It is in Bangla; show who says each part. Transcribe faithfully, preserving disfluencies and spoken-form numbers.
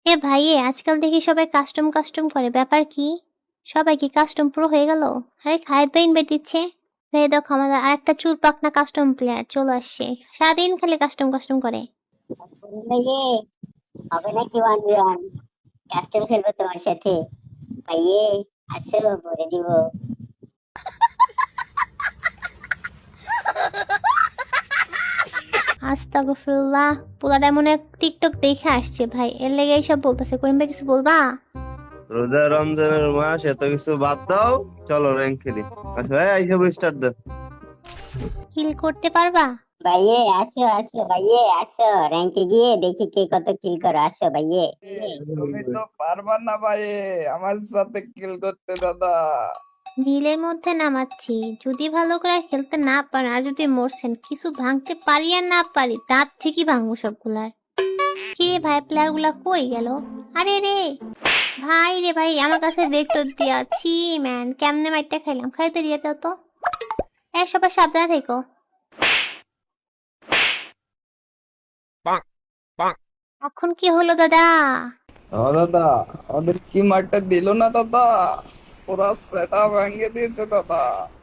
Speaker 1: এ ভাই এ আজকাল দেখি সবাই কাস্টম কাস্টম করে, ব্যাপার কি? সবাই কি কাস্টম প্রো হয়ে গেল? আরে খায়েদ ভাই ইনভাইট দিচ্ছে। এই দেখো আমাদের আরেকটা চুল পাকনা কাস্টম প্লেয়ার চলে আসছে, সারাদিন খালি কাস্টম কাস্টম করে।
Speaker 2: ভাইয়ে হবে নাকি ওয়ান ভি ওয়ান? কাস্টম খেলবো তোমার সাথে। ভাইয়ে আসো বলে দিব।
Speaker 1: আস্তাগফিরুল্লাহ, পোলাটা মনে হয় টিকটক দেখে আসছে ভাই, এর লেগে এইসব বলতেছে। করিম ভাই কিছু বলবা?
Speaker 3: রোজা রমজানের মাস, এত কিছু বাদ দাও, চলো র্যাঙ্ক খেলি। আচ্ছা ভাই এইসব স্টার্ট দাও।
Speaker 1: কিল করতে পারবা?
Speaker 2: ভাইয়ে আসো আসো ভাইয়ে আসো, র্যাঙ্কে গিয়ে দেখি কে কত কিল করো। আসো ভাইয়ে।
Speaker 4: এ, তুমি তো পারবা না ভাই আমার সাথে কিল করতে দাদা।
Speaker 1: রিলের মধ্যে নামাচ্ছি, যদি ভালো করে খেলতে না পারেন আর যদি মরছেন, কিছু ভাঙতে পারি আর না পারি দাঁত ঠিকই ভাঙবো সবগুলার। কি রে ভাই, প্লেয়ার গুলা কই গেল? আরে রে ভাই, রে ভাই আমার কাছে ভেক্টর দিয়াছি ম্যান, কেমনে মাইরটা খাইলাম, খাই তো দিয়ে দাও তো। এক সবাই সাবধানে থেকো। এখন কি হলো দাদা?
Speaker 4: ও দাদা, ওদের কি মারটা দিল না দাদা, পুরা সেটা ভেঙে দিয়েছে দাদা।